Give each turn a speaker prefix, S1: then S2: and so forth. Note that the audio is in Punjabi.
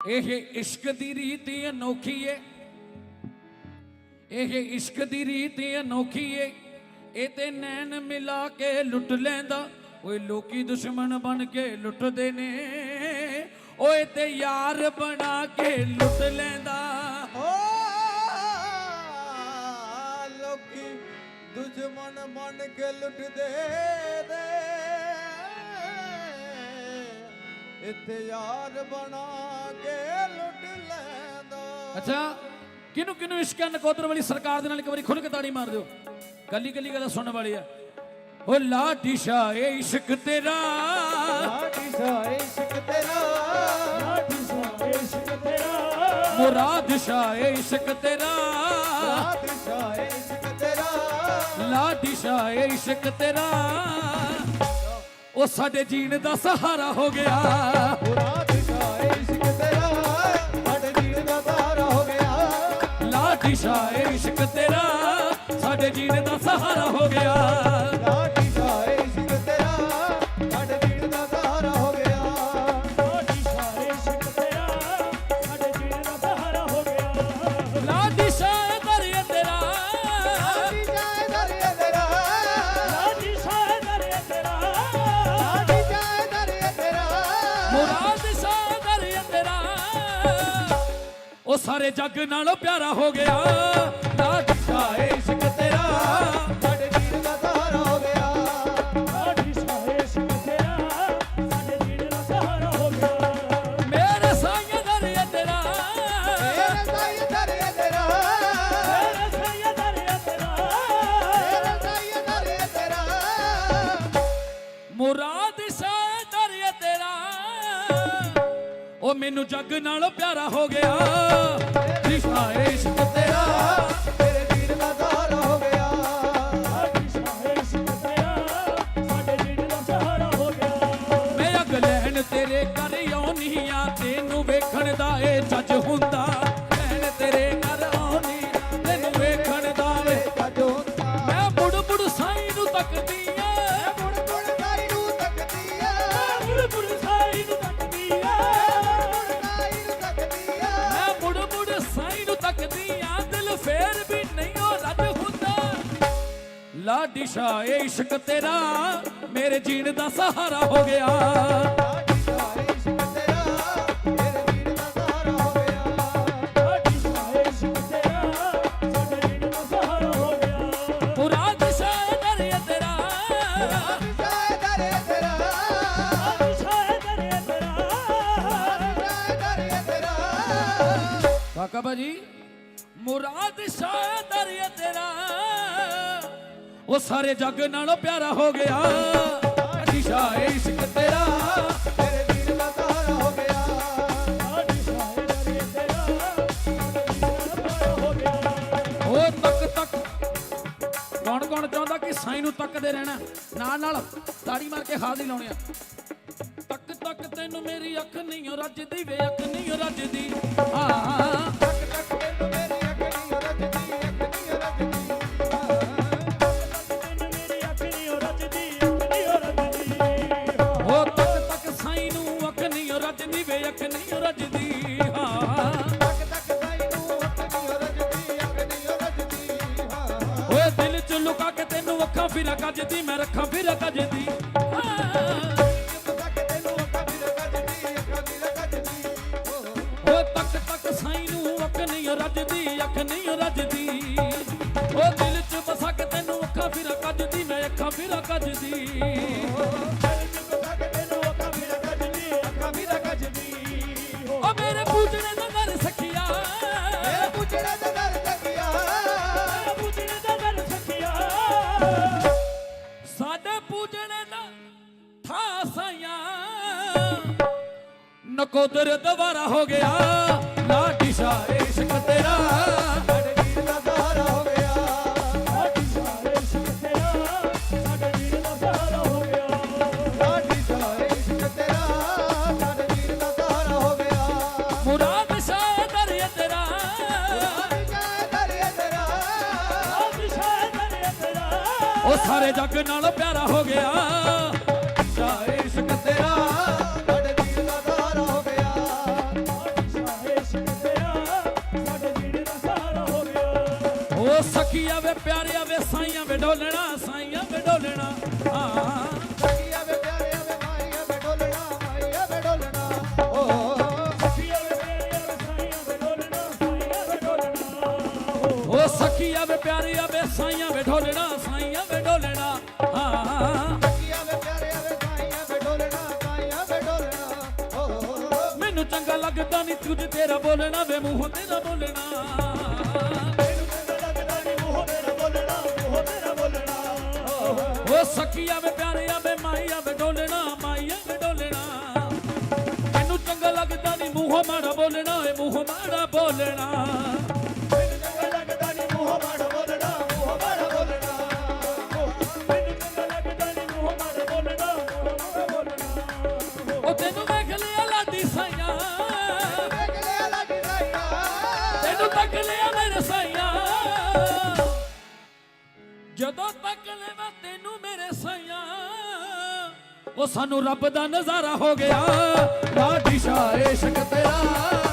S1: ਇਹ ਇਸ਼ਕ ਦੀ ਰੀਤ ਅਨੋਖੀ ਏ, ਇਹ ਇਸ਼ਕ ਦੀ ਰੀਤ ਅਨੋਖੀ ਏ। ਇਹ ਤੇ ਨੈਣ ਮਿਲਾ ਕੇ ਲੁੱਟ ਲੈਂਦਾ, ਓਏ ਲੋਕੀ ਦੁਸ਼ਮਣ ਬਣ ਕੇ ਲੁੱਟਦੇ ਨੇ, ਓਏ ਤੇ ਯਾਰ ਬਣਾ ਕੇ ਲੁੱਟ ਲੈਂਦਾ।
S2: ਲੋਕੀ ਦੁਸ਼ਮਣ ਬਣ ਕੇ ਲੁੱਟਦੇ ਨੇ, ਇੱਥੇ ਯਾਰ ਬਣਾ ਕੇ ਲੁੱਟ ਲੈਂਦਾ।
S1: ਅੱਛਾ, ਕਿਨੂੰ ਕਿਨੂੰ ਇਸ਼ਕ ਨਕੋਦਰ ਵਾਲੀ ਸਰਕਾਰ ਦੇ ਨਾਲ ਇੱਕ ਵਾਰੀ ਖੁੱਲ ਕੇ ਤਾੜੀ ਮਾਰ ਦਿਓ। ਕੱਲੀ ਕੱਲੀ ਗੱਲ ਸੁਣਨ ਵਾਲੀ ਆ। ਓ ਲਾਡੀ ਸ਼ਾਹ ਏ ਇਸ਼ਕ ਤੇਰਾ,
S2: ਲਾਡੀ ਸ਼ਾਹ ਏ ਇਸ਼ਕ ਤੇਰਾ,
S3: ਲਾਡੀ ਸ਼ਾਹ ਏ ਇਸ਼ਕ ਤੇਰਾ,
S1: ਮੁਰਾਦ ਸ਼ਾਹ ਏ ਇਸ਼ਕ ਤੇਰਾ,
S2: ਲਾਡੀ ਸ਼ਾਹ ਏ ਇਸ਼ਕ ਤੇਰਾ,
S1: ਲਾਡੀ ਸ਼ਾਹ ਏ ਇਸ਼ਕ ਤੇਰਾ। ਉਹ ਸਾਡੇ ਜੀਣ ਦਾ ਸਹਾਰਾ ਹੋ ਗਿਆ।
S2: ਲਾਡੀ ਸ਼ਾਹ ਏ ਇਸ਼ਕ ਤੇਰਾ, ਸਾਡੇ ਜੀਣ ਦਾ ਸਹਾਰਾ ਹੋ ਗਿਆ।
S1: ਲਾਡੀ ਸ਼ਾਹ ਏ ਇਸ਼ਕ ਤੇਰਾ, ਸਾਡੇ ਜੀਣ ਦਾ ਸਹਾਰਾ ਹੋ ਗਿਆ।
S2: ਲਾਡੀ ਸ਼ਾਹ ਏ ਇਸ਼ਕ ਤੇਰਾ, ਸਾਡੇ ਜੀਣ ਦਾ ਸਹਾਰਾ ਹੋ ਗਿਆ।
S3: ਲਾਡੀ ਸ਼ਾਹ ਏ ਇਸ਼ਕ ਤੇਰਾ, ਸਾਡੇ ਜੀਣ ਦਾ ਸਹਾਰਾ ਹੋ ਗਿਆ।
S1: ਲਾਡੀ ਸ਼ਾਹ ਦਰਿਆ ਤੇਰਾ,
S2: ਲਾਡੀ ਸ਼ਾਹ ਏ ਦਰਿਆ ਤੇਰਾ,
S3: ਲਾਡੀ ਸ਼ਾਹ ਏ ਦਰਿਆ ਤੇਰਾ,
S2: ਲਾਡੀ ਸ਼ਾਹ ਏ ਦਰਿਆ ਤੇਰਾ,
S1: ਮੁਰਾਦ ਸ਼ਾਹ ਦਰਿਆ ਤੇਰਾ। ਉਹ ਸਾਰੇ ਜੱਗ ਨਾਲੋਂ ਪਿਆਰਾ ਹੋ ਗਿਆ। ਲਾਡੀ ਸ਼ਾਹ ਏ ਇਸ਼ਕ ਤੇਰਾ,
S2: ਸਾਡੇ ਜੀਣ ਦਾ ਸਹਾਰਾ ਹੋ ਗਿਆ।
S3: ਲਾਡੀ ਸ਼ਾਹ ਏ ਇਸ਼ਕ ਤੇਰਾ, ਸਾਡੇ ਜੀਣ ਦਾ ਸਹਾਰਾ ਹੋ ਗਿਆ।
S1: ਮੇਰੇ ਸਾਈਂ ਦਰਿਆ ਤੇਰਾ,
S2: ਮੇਰੇ ਸਾਈਂ ਦਰਿਆ ਤੇਰਾ,
S3: ਮੇਰੇ ਸਾਈਂ ਦਰਿਆ ਤੇਰਾ,
S2: ਮੇਰੇ ਸਾਈਂ ਦਰਿਆ ਤੇਰਾ,
S1: ਮੁਰਾਦ ਸ਼ਾਹ ਦਰਿਆ ਤੇਰਾ। ਉਹ ਮੈਨੂੰ ਜੱਗ ਨਾਲੋਂ ਪਿਆਰਾ ਹੋ ਗਿਆ। ਲਾਡੀ ਸ਼ਾਹ ਏ ਇਸ਼ਕ ਤੇਰਾ,
S2: ਤੇਰੇ ਜੀਣ ਦਾ ਸਹਾਰਾ ਹੋ ਗਿਆ।
S3: ਲਾਡੀ ਸ਼ਾਹ ਏ ਇਸ਼ਕ ਤੇਰਾ, ਸਾਡੇ ਜੀਣ ਦਾ ਸਹਾਰਾ ਹੋ ਗਿਆ।
S1: ਮੈਂ ਅਗ ਲੈਣ ਤੇਰੇ ਘਰ ਆਉਣੀ ਆ, ਤੈਨੂੰ ਵੇਖਣ ਦਾ ਏ ਜੱਜ ਹੁੰਦਾ। ਲੈਣ ਤੇਰੇ ਘਰ ਆਉਣੀ ਆ, ਤੈਨੂੰ ਵੇਖਣ ਦਾ ਏ।
S2: ਜੱਜ ਹੁੰਦਾ।
S1: ਮੈਂ ਮੁੜ ਮੁੜ ਸਾਈਂ ਨੂੰ ਤੱਕਦੀ ਆ,
S2: ਮੁੜ ਮੁੜ ਸਾਈਂ ਨੂੰ ਤੱਕਦੀ ਆ,
S3: ਮੁੜ ਮੁੜ ਸਾਈਂ ਨੂੰ ਤੱਕਦੀ ਆ,
S2: ਸਾਈਂ ਨੂੰ ਤੱਕਦੀ ਆ।
S1: ਮੈਂ ਮੁੜ ਮੁੜ ਸਾਈਂ ਨੂੰ ਤੱਕਦੀ ਆ, ਦਿਲ ਫੇਰ ਵੀ ਨਹੀਂ ਉਹ ਰੱਜ ਹੁੰਦਾ। ਲਾਡੀ ਸ਼ਾਹ ਏ ਇਸ਼ਕ ਤੇਰਾ, ਮੇਰੇ ਜੀਣ ਦਾ ਸਹਾਰਾ ਹੋ ਗਿਆ।
S2: ਲਾਡੀ ਸ਼ਾਹ ਏ ਇਸ਼ਕ ਤੇਰਾ, ਤੇਰੇ ਜੀਣ ਦਾ ਸਹਾਰਾ ਹੋ ਗਿਆ।
S3: ਲਾਡੀ ਸ਼ਾਹ ਏ ਇਸ਼ਕ ਤੇਰਾ, ਸਾਡੇ ਜੀਣ ਦਾ ਸਹਾਰਾ ਹੋ ਗਿਆ।
S1: ਮੁਰਾਦ ਸ਼ਾਹ ਦਰਿਆ ਤੇਰਾ,
S2: ਲਾਡੀ ਸ਼ਾਹ ਏ ਦਰਿਆ ਤੇਰਾ,
S3: ਲਾਡੀ ਸ਼ਾਹ ਏ ਦਰਿਆ ਤੇਰਾ,
S2: ਲਾਡੀ ਸ਼ਾਹ ਏ ਦਰਿਆ ਤੇਰਾ,
S1: ਕਾਕਾ ਭਾਜੀ ਮੁਰਾਦ ਸ਼ਾਹ ਦਰਿਆ ਤੇਰਾ। ਉਹ ਸਾਰੇ ਜੱਗ ਨਾਲੋਂ ਪਿਆਰਾ ਹੋ ਗਿਆ। ਲਾਡੀ ਸ਼ਾਹ ਏ ਇਸ਼ਕ ਤੇਰਾ,
S2: ਤੇਰੇ ਜੀਣ ਦਾ ਸਹਾਰਾ ਹੋ ਗਿਆ।
S3: ਲਾਡੀ ਸ਼ਾਹ ਏ ਦਰਿਆ ਤੇਰਾ, ਸਾਡੇ ਜੀਣ ਦਾ ਸਹਾਰਾ ਹੋ ਗਿਆ।
S1: ਉਹ ਤੱਕ ਤੱਕ ਕੌਣ ਕੌਣ ਚਾਹੁੰਦਾ ਕਿ ਸਾਈਂ ਨੂੰ ਤੱਕਦੇ ਰਹਿਣਾ, ਨਾਲ ਨਾਲ ਤਾੜੀ ਮਾਰ ਕੇ ਹਾਜ਼ਰੀ ਲਾਉਣੀ ਆ। ਤੱਕ ਤੱਕ ਤੈਨੂੰ ਮੇਰੀ ਅੱਖ ਨਹੀਂ ਓ ਰੱਜਦੀ ਵੇ, ਅੱਖ ਨਹੀਂ ਓ ਰੱਜਦੀ। ਹਾਂ
S2: ਤੱਕ ਤੱਕ ਤੈਨੂੰ ਮੇਰੀ ਅੱਖ ਨਹੀਂ ਰੱਜਦੀ, ਅੱਖ ਨਹੀਂ ਰੱਜਦੀ।
S3: ਤੈਨੂੰ ਮੇਰੀ ਅੱਖ ਨਹੀਂ ਓ ਰੱਜਦੀ, ਅੱਖ ਨਹੀਂ ਓ ਰੱਜਦੀ।
S1: ਉਹ ਤੱਕ ਤੱਕ ਸਾਈਂ ਨੂੰ ਅੱਖ ਨਹੀਂ ਓ ਰੱਜਦੀ ਵੇ, ਅੱਖ ਨਹੀਂ ਓ ਰੱਜਦੀ। ਹਾਂ
S2: ਤੱਕ ਤੱਕ ਸਾਈਂ ਨੂੰ ਅੱਖ ਨਹੀਂ ਰੱਜਦੀ, ਅੱਖ ਨਹੀਂ ਰੱਜਦੀ। ਹਾਂ
S1: ਓਏ ਦਿਲ ਚ ਲੁਕਾ ਕੇ ਤੈਨੂੰ ਅੱਖਾਂ ਫਿਰਾ ਕੱਜਦੀ, ਮੈਂ ਰੱਖਾਂ ਫਿਰਾ ਕੱਜਦੀ।
S2: ਤੱਕ ਤੈਨੂੰ ਅੱਖ ਨਹੀਂ ਰੱਜਦੀ, ਅੱਖ ਨਹੀਂ ਰੱਜਦੀ।
S1: ਓ ਤੱਕ ਤੱਕ ਸਾਈਂ ਨੂੰ ਅੱਖ ਨਹੀਂ ਰੱਜਦੀ, ਅੱਖ ਨਹੀਂ ਰੱਜਦੀ। ਓ ਦਿਲ ਚ ਵਸਾ ਕੇ ਤੈਨੂੰ ਅੱਖਾਂ ਫਿਰਾ ਕੱਜਦੀ, ਮੈਂ ਅੱਖਾਂ ਫਿਰਾ ਕੱਜਦੀ।
S3: ਤੱਕ ਤੈਨੂੰ ਅੱਖਾਂ ਵੀ ਰੱਜਦੀ, ਅੱਖਾਂ ਵੀ ਰੱਜਦੀ।
S1: ਓ ਮੇਰੇ ਪੂਜਣੇ ਦਾ ਦਰ ਸਖੀਆ,
S2: ਇਹ ਪੁੱਛੜਾ ਤੇ ਦਰ ਤੱਕਿਆ,
S3: ਪੁੱਛਣੇ ਦਾ ਦਰ ਸਖੀਆ।
S1: ਸਾਡੇ ਪੂਜਣੇ ਦਾ ਥਾ ਸਾਈਆਂ। ਨਕੋਦਰ ਦੁਬਾਰਾ ਹੋ ਗਿਆ। ਲਾਡੀ ਸ਼ਾਹ ਏ ਇਸ਼ਕ ਤੇਰਾ,
S2: ਸਾਡੇ ਜੀਣ ਦਾ ਸਹਾਰਾ ਹੋ ਗਿਆ।
S3: ਲਾਡੀ ਸ਼ਾਹ ਏ ਇਸ਼ਕ ਤੇਰਾ, ਸਾਡੇ ਜੀਣ ਦਾ ਸਹਾਰਾ ਹੋ ਗਿਆ।
S2: ਲਾਡੀ ਸ਼ਾਹ ਏ ਇਸ਼ਕ ਤੇਰਾ, ਸਾਡੇ ਜੀਣ ਦਾ ਸਹਾਰਾ ਹੋ ਗਿਆ।
S1: ਮੁਰਾਦ ਸ਼ਾਹ ਦਰਿਆ ਤੇਰਾ।
S2: ਲਾਡੀ ਸ਼ਾਹ ਏ ਦਰਿਆ ਤੇਰਾ,
S3: ਲਾਡੀ ਸ਼ਾਹ ਏ ਦਰਿਆ ਤੇਰਾ,
S1: ਉਹ ਸਾਰੇ ਜੱਗ ਨਾਲੋਂ ਪਿਆਰਾ ਹੋ ਗਿਆ। ਸ਼ਾਹ ਏ ਇਸ਼ਕ ਤੇਰਾ,
S2: ਸਾਡੇ ਜੀਣ ਦਾ ਸਹਾਰਾ ਹੋ ਗਿਆ।
S1: ਉਹ ਸਖੀਆ ਵੇ ਪਿਆਰਿਆ ਵੇ ਸਾਈਆਂ ਵੇ ਢੋਲਣਾ ਸਾਈਆਂ ਵੇ ਢੋਲਣਾ ਹਾਂ
S2: ਸਖੀਆ ਵੇ ਪਿਆਰਿਆ ਵੇ ਮਾਈਆ ਵੇ ਢੋਲਣਾ ਮਾਈਆ ਵੇ ਢੋਲਣਾ ਓ
S3: ਸਖੀਆ ਵੇ ਪਿਆਰਿਆ ਵੇ ਸਾਈਆਂ ਵੇ ਢੋਲਣਾ ਸਾਈਆਂ ਵੇ ਢੋਲਣਾ
S1: ਉਹ ਸਖੀਆ ਵੇ ਪਿਆਰਿਆ ਵੇ ਸਾਈਆਂ ਵੇ ਢੋਲਣਾ ਸਾਈਆਂ ਵੇ ਢੋਲਣਾ ਹਾਂ
S2: ਸਖੀਆ ਵੇ ਪਿਆਰਿਆ ਵੇ ਮਾਈਆ ਵੇ ਢੋਲਣਾ ਮਾਈਆ ਵੇ ਢੋਲਣਾ ਓ
S1: ਮੈਨੂੰ ਚੰਗਾ ਲੱਗਦਾ ਨਹੀਂ ਤੁਝ ਤੇਰਾ ਬੋਲਣਾ ਵੇ ਮੂੰਹ ਤੇਰਾ ਬੋਲਣਾ
S3: ਮੈਨੂੰ ਚੰਗਾ ਲੱਗਦਾ ਨੀ ਮੂੰਹ ਤੇਰਾ ਬੋਲਣਾ ਮੂੰਹ ਤੇਰਾ ਬੋਲਣਾ
S1: ਉਹ ਸਖੀਆ ਵੇ ਪਿਆਰਿਆ ਵੇ ਮਾਈਆ ਵੇ ਢੋਲਣਾ ਮਾਈਆ ਵੇ ਢੋਲਣਾ ਮੈਨੂੰ ਚੰਗਾ ਲੱਗਦਾ ਨਹੀਂ ਮੂੰਹ ਮਾੜਾ ਬੋਲਣਾ ਏ ਮੂੰਹ ਮਾੜਾ ਬੋਲਣਾ
S3: ਮੈਨੂੰ ਚੰਗਾ ਲੱਗਦਾ ਨੀ ਮੂੰਹ ਮਾੜਾ ਬੋਲਣਾ ਮੂੰਹ ਮਾੜਾ ਬੋਲਣਾ ਮੈਨੂੰ ਚੰਗਾ ਲੱਗਦਾ ਨੀ ਮੂੰਹ ਮਾੜਾ ਬੋਲਣਾ ਮੂੰਹ ਮਾੜਾ ਬੋਲਣਾ
S1: ਉਹ ਤੈਨੂੰ ਵੇਖ ਲਿਆ ਲਾਡੀ ਸਾਈਆਂ
S2: ਵੇਖ ਲਿਆ ਲੱਗ ਸਾਈਆ
S1: ਤੈਨੂੰ ਤੱਕ ਲਿਆ ਮੇਰੇ ਸਾਈਆਂ ਜਦੋਂ ਤੱਕ ਲਿਆ ਤੈਨੂੰ ਮੇਰੇ ਸਾਈਆਂ ਉਹ ਸਾਨੂੰ ਰੱਬ ਦਾ ਨਜ਼ਾਰਾ ਹੋ ਗਿਆ ਲਾਡੀ ਸ਼ਾਹ ਇਸ਼ਕ ਤੇਰਾ